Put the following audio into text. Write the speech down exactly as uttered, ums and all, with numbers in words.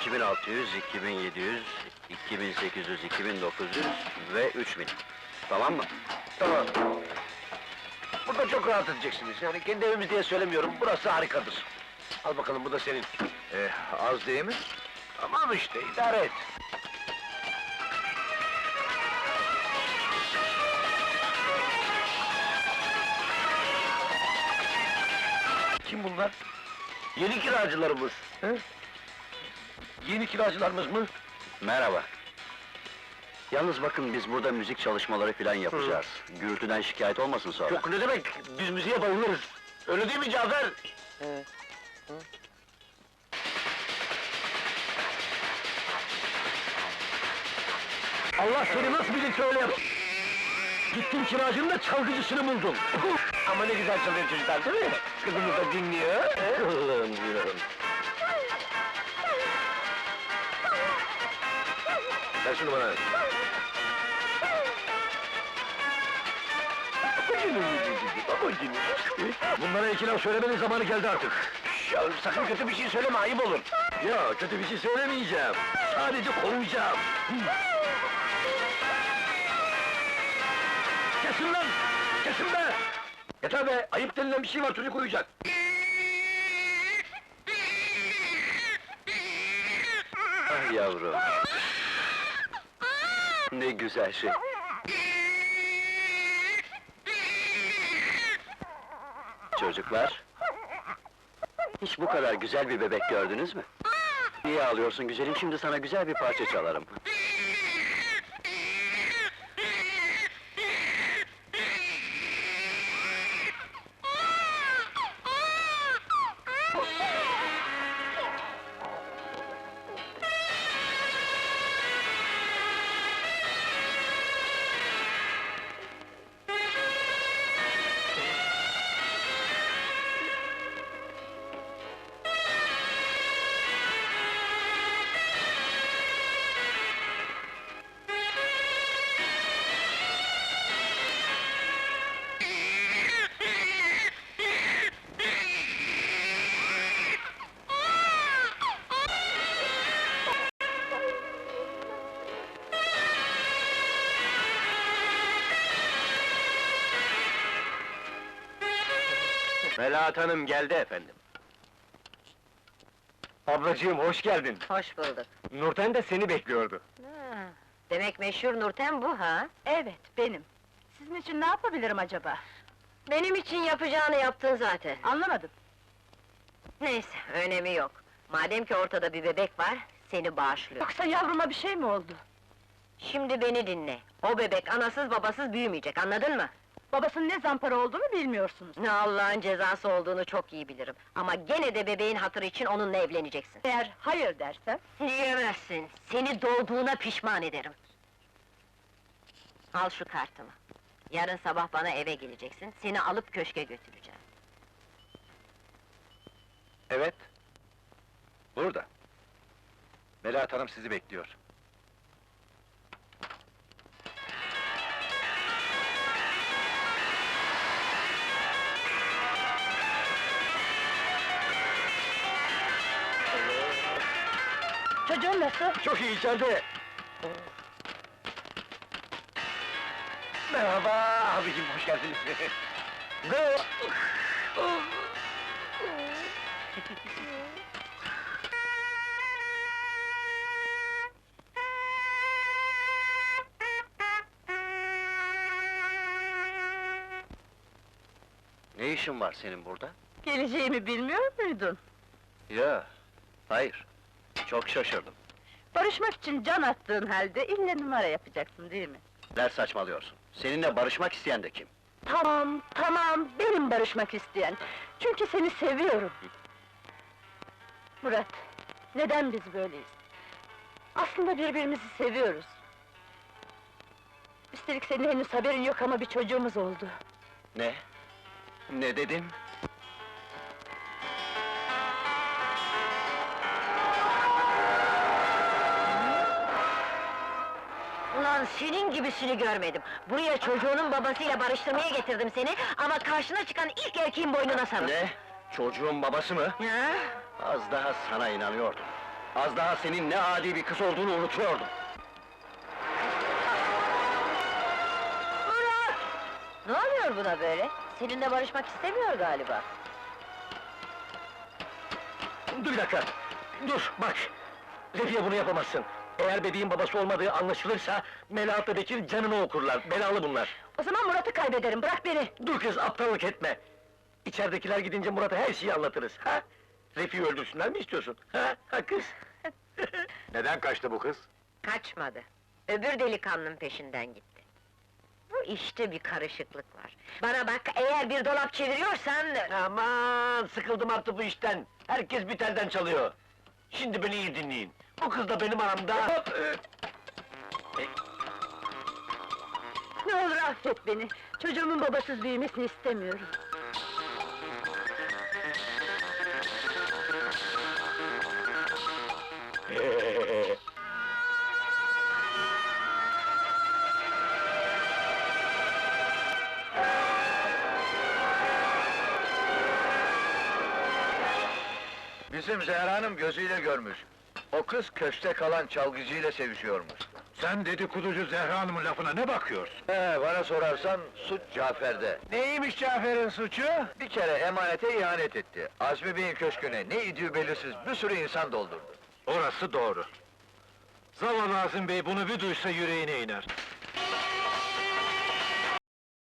iki bin altı yüz, iki bin yedi yüz, iki bin sekiz yüz, iki bin dokuz yüz ve üç bin. Tamam mı? Tamam. Burada çok rahat edeceksiniz. Yani kendi evimiz diye söylemiyorum, burası harikadır. Al bakalım, bu da senin. Ee, az değil mi? Tamam işte, idare et. Kim bunlar? Yeni kiracılarımız. He? Yeni kiracılarımız mı? Merhaba. Yalnız bakın, biz burada müzik çalışmaları filan yapacağız. Gürültüden şikayet olmasın sonra. Yok, ne demek? Biz müziğe bayılırız. Öyle değil mi Cafer? Allah seni nasıl bilirse öyle yap! Gittin kiracının da çalgıcısını buldun! Ama ne güzel çalıyor çocuklar, değil mi? Kızımız da dinliyor. Kızım diyorum. Ver şunu bana! Bunlara iki laf söylemenin zamanı geldi artık. Ya sakın kötü bir şey söyleme, ayıp olur. Ya kötü bir şey söylemeyeceğim. Sadece kovacağım. Kesin lan! Kesin be! Yeter be! Ayıp denilen bir şey var, çocuk uyuyacak. Ah yavrum! Ne güzel şey! Çocuklar! Hiç bu kadar güzel bir bebek gördünüz mü? Niye ağlıyorsun güzelim? Şimdi sana güzel bir parça çalarım. Melahat Hanım geldi efendim. Ablacığım, hoş geldin. Hoş bulduk. Nurten de seni bekliyordu. Ha, demek meşhur Nurten bu ha? Evet, benim. Sizin için ne yapabilirim acaba? Benim için yapacağını yaptın zaten. Anlamadım. Neyse, önemi yok. Madem ki ortada bir bebek var, seni bağışlıyor. Yoksa yavruma bir şey mi oldu? Şimdi beni dinle. O bebek anasız babasız büyümeyecek, anladın mı? Babasının ne zampara olduğunu bilmiyorsunuz. Ne Allah'ın cezası olduğunu çok iyi bilirim. Ama gene de bebeğin hatırı için onunla evleneceksin. Eğer hayır dersem... Diyemezsin, seni doğduğuna pişman ederim. Al şu kartımı. Yarın sabah bana eve geleceksin, seni alıp köşke götüreceğim. Evet. Burada. Melahat Hanım sizi bekliyor. Çocuğun nasıl? Çok iyi, içeride. Merhaba abicim, hoş geldiniz. Go! Ne işin var senin burada? Geleceğimi bilmiyor muydun? Ya, hayır. Çok şaşırdım. Barışmak için can attığın halde ille numara yapacaksın değil mi? Neler saçmalıyorsun? Seninle barışmak isteyen de kim? Tamam, tamam, benim barışmak isteyen. Çünkü seni seviyorum. Murat, neden biz böyleyiz? Aslında birbirimizi seviyoruz. Üstelik senin henüz haberin yok ama bir çocuğumuz oldu. Ne? Ne dedin? Ulan senin gibisini görmedim. Buraya çocuğunun babasıyla barıştırmaya getirdim seni, ama karşına çıkan ilk erkeğin boynuna sarıl. Ne? Çocuğun babası mı? Ha? Az daha sana inanıyordum. Az daha senin ne adi bir kız olduğunu unutuyordum. Murat! Ne oluyor buna böyle? Seninle barışmak istemiyor galiba. Dur bir dakika! Dur, bak! Refiye bunu yapamazsın. Eğer bebeğin babası olmadığı anlaşılırsa, Melahat'la Bekir canını okurlar, belalı bunlar. O zaman Murat'ı kaybederim, bırak beni! Dur kız, aptallık etme! İçeridekiler gidince Murat'a her şeyi anlatırız, ha? Refi'yi öldürsünler mi istiyorsun, ha? Ha kız? Neden kaçtı bu kız? Kaçmadı. Öbür delikanlının peşinden gitti. Bu işte bir karışıklık var. Bana bak, eğer bir dolap çeviriyorsan... Aman, sıkıldım artık bu işten! Herkes bir telden çalıyor! Şimdi beni iyi dinleyin! Bu kız da benim aramda... Ne olur affet beni! Çocuğumun babasız büyümesini istemiyorum. Bizim Zehra Hanım gözüyle görmüş. O kız köşte kalan çalgıcıyla sevişiyormuş. Sen dedikoducu Zehra Hanım'ın lafına ne bakıyorsun? He, bana sorarsan suç Cafer'de. Neymiş Cafer'in suçu? Bir kere emanete ihanet etti. Azmi Bey'in köşküne ne idüğü belirsiz bir sürü insan doldurdu. Orası doğru. Zavallı Azim Bey bunu bir duysa yüreğine iner.